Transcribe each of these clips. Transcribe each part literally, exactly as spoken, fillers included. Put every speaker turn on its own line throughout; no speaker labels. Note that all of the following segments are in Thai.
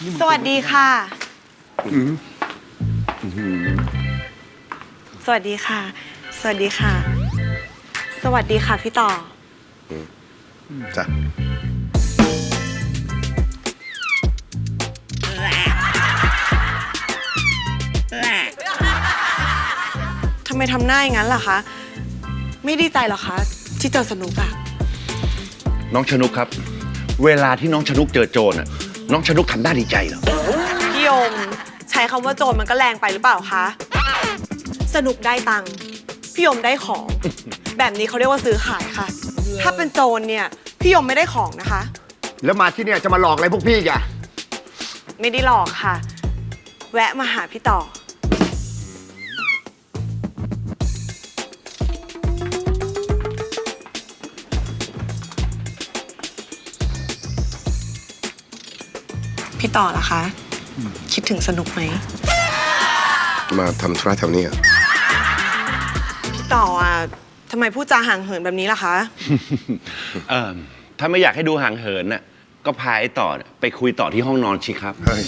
สวัสดีค่ะ สวัสดีค่ะ สวัสดีค่ะ สวัสดีค่ะพี่ต่อ
จ้ะ
ทำไมทำหน้าอย่างนั้นล่ะคะ ไม่ดีใจเหรอคะ ที่เจอสนุกอะ
น้องชนุกครับ เวลาที่น้องชนุกเจอโจรน่ะน้องชนุกทำหน้าดีใจเหรอ
พี่ยมใช้คำว่าโจรมันก็แรงไปหรือเปล่าคะ สนุกได้ตังค์พี่ยมได้ของ แบบนี้เขาเรียกว่าซื้อขายค่ะ ถ้าเป็นโจรเนี่ยพี่ยมไม่ได้ของนะคะ
แล้วมาที่เนี่ยจะมาหลอกอะไรพวกพี่แก
ไม่ได้หลอกค่ะ แวะมาหาพี่ต่อ พี่ต่อล่ะคะ คิดถึงสนุกไหม
มาทำธุระแถวนี้อ่ะ
พี่ต่ออ่ะทำไมพูดจาห่างเหินแบบนี้ล่ะคะ
เออถ้าไม่อยากให้ดูห่างเหินน่ะก็พาไอ้ต่อน่ะไปคุยต่อที่ห้องนอนชิครับ
เฮ้ย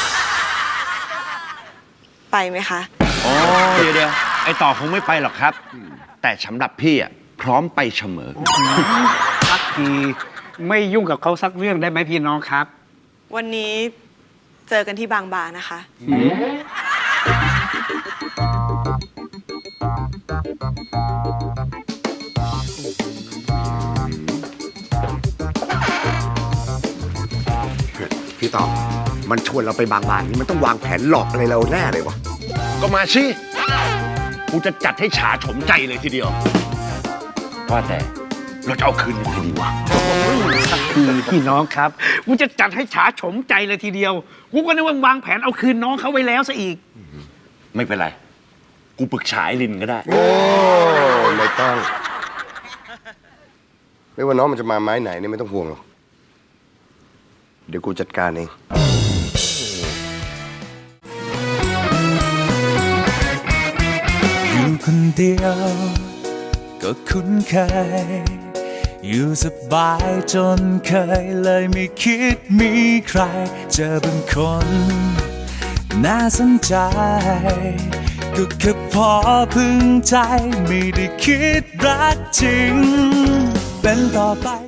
ไปไหมคะ
อ๋อเดี๋ยวเดี๋ยวไอ้ต่อคงไม่ไปหรอกครับ แต่สำหรับพี่อ่ะพร้อมไปเสมอ
สักทีไม่ยุ่งกับเขาสักเรื่องได้ไหมพี่น้องครับ
วันนี้เจอกันที่บางบานะคะ
พี่ต่อ มันชวนเราไปบางบานนี่มันต้องวางแผนหลอกอะไรเราแน่เลยวะ
ก็มาสิกูจะจัดให้ฉาโฉมใจเลยทีเดียว ว่าแต่เราจะเอาคืนยังไงดีวะ
สักทีพี่น้องครับกูจะจัดให้ฉาโฉมใจเลยทีเดียวกูก็นึกว่าวางแผนเอาคืนน้องเขาไว้แล้วซะอีก
ไม่เป็นไร กูปรึกษาไอ้ลินก็ได้
โอ้ไม่ต้อง ไม่ว่าน้องมันจะมาไม้ไหนนี่ไม่ต้องห่วงหรอก เดี๋ยวกูจัดการเอง
อยู่คนเดียวก็คุ้นเคยอยู่สบายจนเคยเลยไม่คิดมีใครเจอเป็นคนน่าสนใจก็แค่พอพึงใจไม่ได้คิดรักจริงเป็นต่อไป